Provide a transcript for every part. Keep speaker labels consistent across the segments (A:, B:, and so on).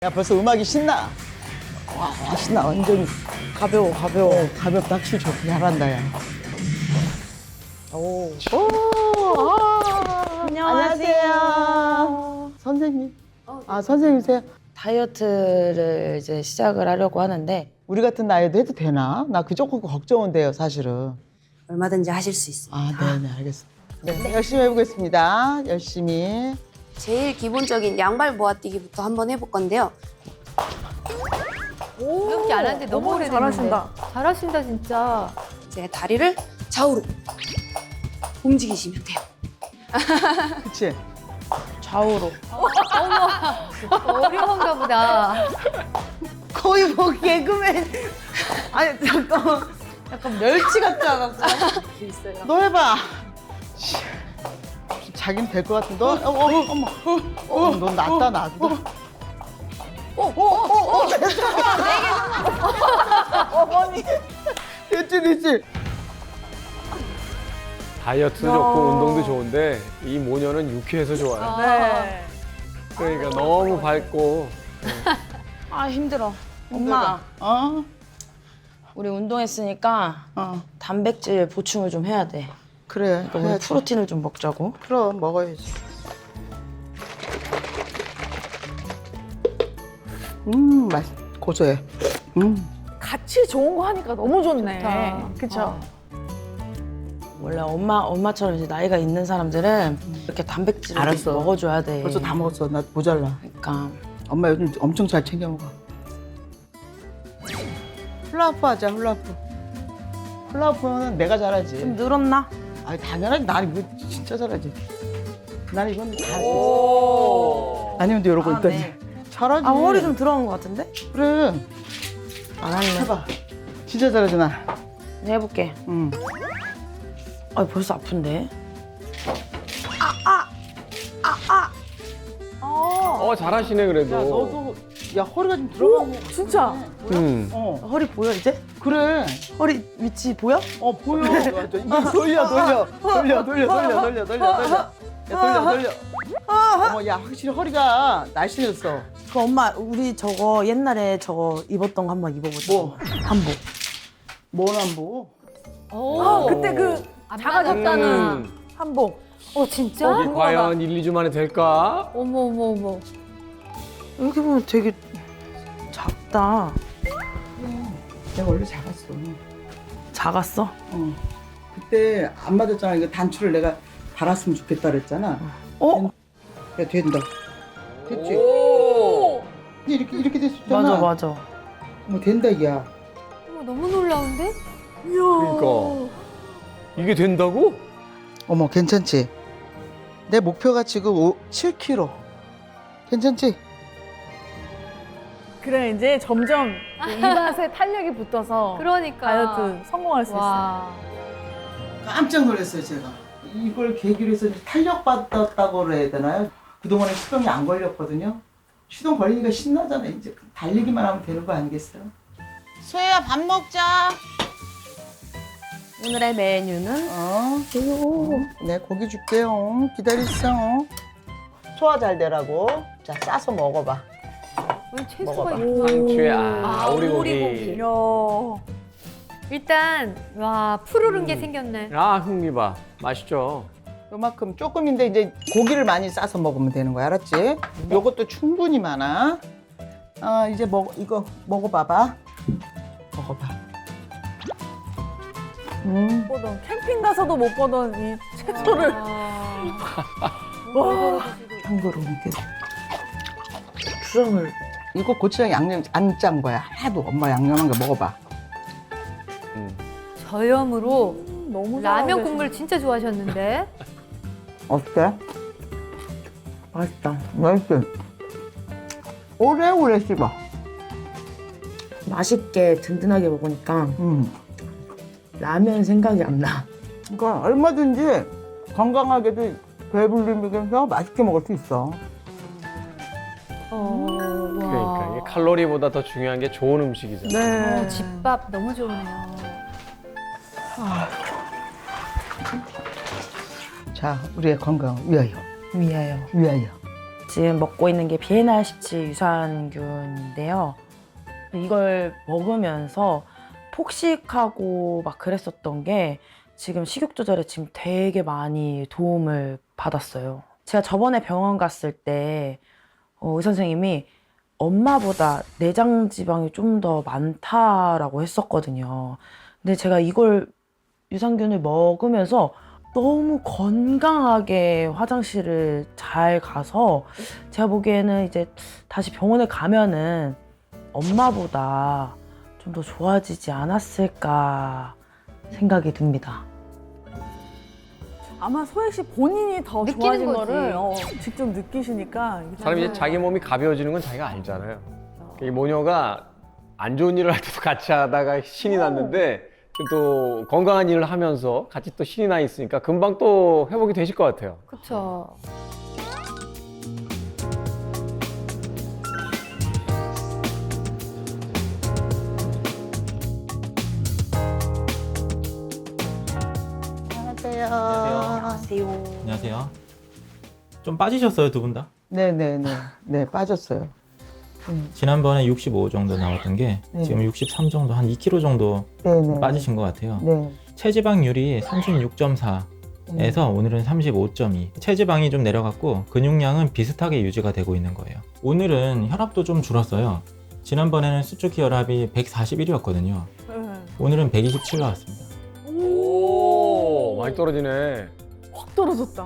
A: 야, 벌써 음악이 신나. 와, 신나. 완전
B: 가벼워.
A: 가볍다. 확실히 좋게 잘한다, 야.
B: 오.
A: 안녕하세요. 선생님. 아, 선생님이세요?
B: 다이어트를 이제 시작을 하려고 하는데
A: 우리 같은 나이에도 해도 되나? 나 그 조금 걱정은돼요, 사실은.
C: 얼마든지 하실 수 있습니다.
A: 아, 네, 알겠습니다. 네, 열심히 해보겠습니다. 열심히.
C: 제일 기본적인 양발 모아뛰기부터 한번 해볼 건데요.
D: 이렇게 안 하는데 너무 오래 잘하신다. 잘하신다 진짜.
C: 이제 다리를 좌우로 움직이시면 돼요.
A: 그치?
B: 좌우로.
D: 어려운가 보다.
B: 거의 뭐 개그맨. 아니 잠깐만. 약간 멸치 같지 않았어?
A: 너 해봐. 자긴 될 것 같은데. 넌 낫다, 나도. 어머니. 됐지.
E: 다이어트도 좋고 운동도 좋은데 이 모녀는 유쾌해서 좋아요.
D: 네.
E: 그러니까 너무 밝고
B: 아 힘들어. 엄마,
A: 어?
B: 우리 운동했으니까
A: 어.
B: 단백질 보충을 좀 해야 돼.
A: 그래.
B: 그럼 우리 프로틴을 좀 먹자고.
A: 그럼 먹어야지. 고소해.
F: 같이 좋은 거 하니까 너무 좋네.
D: 좋다.
F: 그쵸?
B: 원래 엄마처럼 이제 나이가 있는 사람들은 이렇게 단백질을
A: 알았어.
B: 먹어줘야 돼.
A: 벌써 다 먹었어. 나 모자라.
B: 그러니까
A: 엄마 요즘 엄청 잘 챙겨 먹어. 훌라후프 하자, 훌라후프. 훌라후프는 내가 잘하지.
B: 좀 늘었나?
A: 아니, 당연하지. 난 이거 진짜 잘하지. 난 이건 다 해. 아니면 또 이러고
B: 아,
A: 있더니.
B: 네.
A: 잘하지.
B: 아 허리 좀 들어간 것 같은데?
A: 그래.
B: 안 할래.
A: 해봐. 진짜 잘하지, 나.
B: 이제 해볼게.
A: 응.
B: 아 벌써 아픈데?
E: 잘하시네
A: 야,
E: 그래도.
A: 너도, 야, 허리가 좀 들어가고.
F: 진짜?
A: 어,
B: 허리 보여 이제?
A: 그래.
B: 허리 위치 보여?
A: 보여. 야, 돌려. 야, 돌려. 어머, 야, 확실히 허리가 날씬해졌어.
B: 그 엄마 우리 저거 옛날에 저거 입었던 거 한번 입어보자.
A: 뭐?
B: 한복.
A: 뭔 안보?
D: 오.
F: 그때 그 작아졌다는 한복.
D: 진짜?
E: 이게 과연 1, 2주 만에 될까?
D: 어머.
B: 이렇게 보면 되게 작다.
A: 내가 원래 작았어.
B: 작았어?
A: 어. 그때 안 맞았잖아. 이거 단추를 내가 달았으면 좋겠다 그랬잖아.
B: 어?
A: 야, 된다. 됐지?
E: 오!
A: 이렇게 됐었잖아.
B: 맞아.
A: 뭐 된다, 야.
D: 어머 너무 놀라운데?
E: 그러니까 이게 된다고?
A: 어머, 괜찮지? 내 목표가 지금 7kg. 괜찮지?
F: 그래 이제 점점 이 맛에 탄력이 붙어서
D: 그러니까.
F: 다이어트 성공할 수 있어요.
D: 와.
A: 깜짝 놀랐어요, 제가. 이걸 계기로 해서 탄력받았다고 해야 되나요? 그동안에 시동이 안 걸렸거든요. 시동 걸리니까 신나잖아. 이제 달리기만 하면 되는 거 아니겠어요? 소혜야, 밥 먹자.
B: 오늘의 메뉴는
A: 네, 고기 줄게요. 기다리세요. 소화 잘 되라고. 자, 싸서 먹어봐.
D: 오늘 채소가
A: 먹어봐.
D: 있구나.
E: 상추에
D: 오리고기.
E: 오리고기.
F: 이야.
D: 일단 와 푸르른 게 생겼네.
E: 흥미봐. 맛있죠?
A: 요만큼 조금인데 이제 고기를 많이 싸서 먹으면 되는 거야, 알았지? 요것도 충분히 많아. 이제 이거 먹어봐봐. 먹어봐.
F: 보던 캠핑 가서도 못 보던 이 채소를.
A: 참고로 이게 주정을 이거 고추장 양념 안 짠 거야. 하나도 엄마 양념한 거 먹어봐.
D: 저염으로
F: 너무
D: 라면
F: 잘하고
D: 국물 진짜 좋아하셨는데.
A: 어때? 맛있다. 맛있지? 오래오래 씹어.
B: 맛있게 든든하게 먹으니까 라면 생각이 안 나.
A: 그러니까 얼마든지 건강하게도 배불리면서 맛있게 먹을 수 있어.
E: 그러니까 이게 칼로리보다 더 중요한 게 좋은 음식이잖아.
F: 네.
D: 집밥 너무 좋으네요.
A: 자, 우리의 건강 위하여.
B: 위하여.
A: 위하여.
B: 지금 먹고 있는 게 비엔알17 유산균인데요. 이걸 먹으면서 폭식하고 막 그랬었던 게 지금 식욕 조절에 지금 되게 많이 도움을 받았어요. 제가 저번에 병원 갔을 때 의사 선생님이 엄마보다 내장 지방이 좀 더 많다라고 했었거든요. 근데 제가 이걸 유산균을 먹으면서 너무 건강하게 화장실을 잘 가서 제가 보기에는 이제 다시 병원에 가면은 엄마보다 좀 더 좋아지지 않았을까 생각이 듭니다.
F: 아마 소혜 씨 본인이 더
C: 느끼는
F: 좋아진
C: 거지.
F: 거를 직접 느끼시니까 이게
E: 사람이 이제 자기 몸이 가벼워지는 건 자기가 알잖아요. 이 모녀가 안 좋은 일을 할 때도 같이 하다가 신이 났는데 또 건강한 일을 하면서 같이 또 신이 나 있으니까 금방 또 회복이 되실 것 같아요.
C: 그렇죠.
A: 안녕하세요.
G: 안녕하세요. 좀 빠지셨어요, 두 분 다?
A: 네네네. 네, 빠졌어요.
G: 지난번에 65 정도 나왔던 게
A: 네.
G: 지금 63 정도, 한 2kg 정도
A: 네네.
G: 빠지신 것 같아요.
A: 네.
G: 체지방률이 36.4에서 오늘은 35.2. 체지방이 좀 내려갔고 근육량은 비슷하게 유지가 되고 있는 거예요. 오늘은 혈압도 좀 줄었어요. 지난번에는 수축기 혈압이 141이었거든요. 오늘은 127 나왔습니다.
E: 오, 많이 떨어지네.
F: 확 떨어졌다.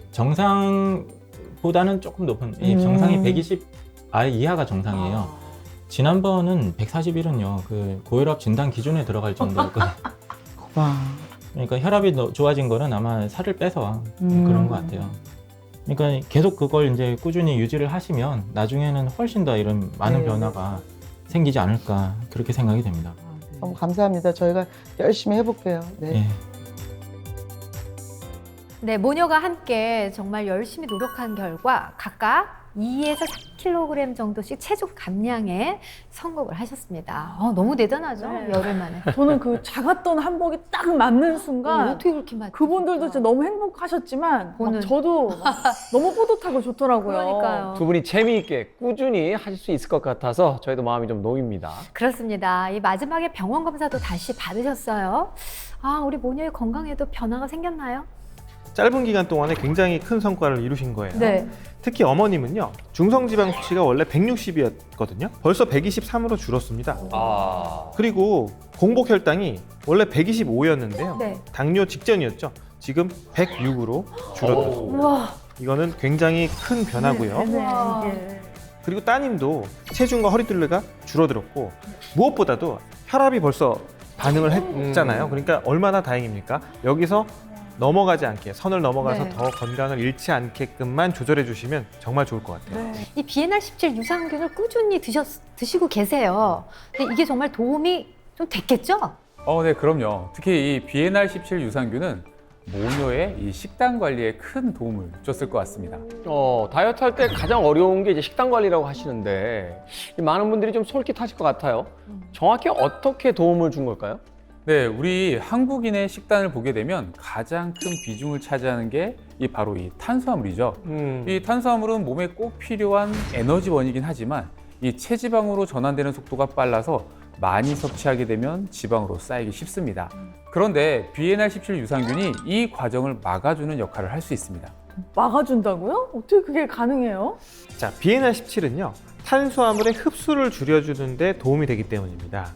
G: 정상보다는 조금 높은, 정상이 120 아래 이하가 정상이에요. 지난번은 141은요, 그 고혈압 진단 기준에 들어갈 정도였거든요.
A: 와.
G: 그러니까 혈압이 좋아진 거는 아마 살을 빼서 그런 것 같아요. 그러니까 계속 그걸 이제 꾸준히 유지를 하시면 나중에는 훨씬 더 이런 많은
A: 네.
G: 변화가 생기지 않을까 그렇게 생각이 됩니다.
A: 너무 감사합니다. 저희가 열심히 해볼게요. 네.
G: 예.
D: 네, 모녀가 함께 정말 열심히 노력한 결과 각각 2에서 3kg 정도씩 체중 감량에 성공을 하셨습니다. 너무 대단하죠?
F: 네.
D: 열흘 만에.
F: 저는 그 작았던 한복이 딱 맞는 순간
D: 어떻게 그렇게 맞지?
F: 그분들도 진짜 너무 행복하셨지만 막
D: 보는.
F: 저도 막 너무 뿌듯하고 좋더라고요.
D: 그러니까요.
E: 두 분이 재미있게 꾸준히 하실 수 있을 것 같아서 저희도 마음이 좀 놓입니다.
D: 그렇습니다. 이 마지막에 병원 검사도 다시 받으셨어요. 우리 모녀의 건강에도 변화가 생겼나요?
H: 짧은 기간 동안에 굉장히 큰 성과를 이루신 거예요.
D: 네.
H: 특히 어머님은요, 중성지방 수치가 원래 160이었거든요. 벌써 123으로 줄었습니다.
E: 아,
H: 그리고 공복 혈당이 원래 125였는데요.
D: 네.
H: 당뇨 직전이었죠. 지금 106으로 줄었습니다.
D: 우와.
H: 이거는 굉장히 큰 변화고요.
D: 우와.
H: 그리고 따님도 체중과 허리둘레가 줄어들었고 무엇보다도 혈압이 벌써 반응을 했잖아요. 그러니까 얼마나 다행입니까? 여기서 넘어가지 않게, 선을 넘어가서
D: 네.
H: 더 건강을 잃지 않게끔만 조절해 주시면 정말 좋을 것 같아요.
D: 이 비엔알17 유산균을 꾸준히 드시고 계세요. 근데 이게 정말 도움이 좀 됐겠죠?
I: 네, 그럼요. 특히 이 비엔알17 유산균은 모녀의 이 식단 관리에 큰 도움을 줬을 것 같습니다.
E: 다이어트 할 때 가장 어려운 게 이제 식단 관리라고 하시는데 많은 분들이 좀 솔깃하실 것 같아요. 정확히 어떻게 도움을 준 걸까요?
I: 네, 우리 한국인의 식단을 보게 되면 가장 큰 비중을 차지하는 게 바로 이 탄수화물이죠. 이 탄수화물은 몸에 꼭 필요한 에너지원이긴 하지만 이 체지방으로 전환되는 속도가 빨라서 많이 섭취하게 되면 지방으로 쌓이기 쉽습니다. 그런데 비엔알17 유산균이 이 과정을 막아주는 역할을 할 수 있습니다.
F: 막아준다고요? 어떻게 그게 가능해요?
H: 자, 비엔알17은요, 탄수화물의 흡수를 줄여주는 데 도움이 되기 때문입니다.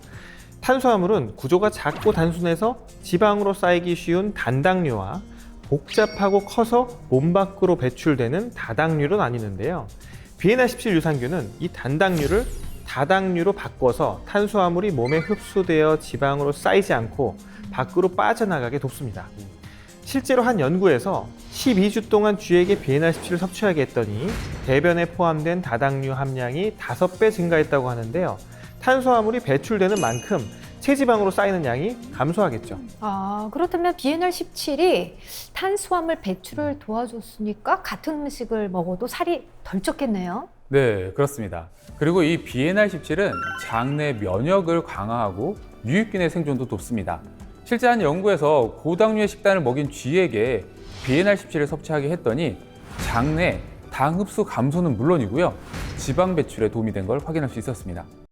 H: 탄수화물은 구조가 작고 단순해서 지방으로 쌓이기 쉬운 단당류와 복잡하고 커서 몸 밖으로 배출되는 다당류로 나뉘는데요. 비엔알17 유산균은 이 단당류를 다당류로 바꿔서 탄수화물이 몸에 흡수되어 지방으로 쌓이지 않고 밖으로 빠져나가게 돕습니다. 실제로 한 연구에서 12주 동안 쥐에게 비엔알17을 섭취하게 했더니 대변에 포함된 다당류 함량이 5배 증가했다고 하는데요. 탄수화물이 배출되는 만큼 체지방으로 쌓이는 양이 감소하겠죠.
D: 그렇다면 비엔알17이 탄수화물 배출을 도와줬으니까 같은 음식을 먹어도 살이 덜 쪘겠네요.
I: 네, 그렇습니다. 그리고 이 비엔알17은 장내 면역을 강화하고 유익균의 생존도 돕습니다. 실제 한 연구에서 고당류의 식단을 먹인 쥐에게 비엔알17을 섭취하게 했더니 장내 당 흡수 감소는 물론이고요. 지방 배출에 도움이 된 걸 확인할 수 있었습니다.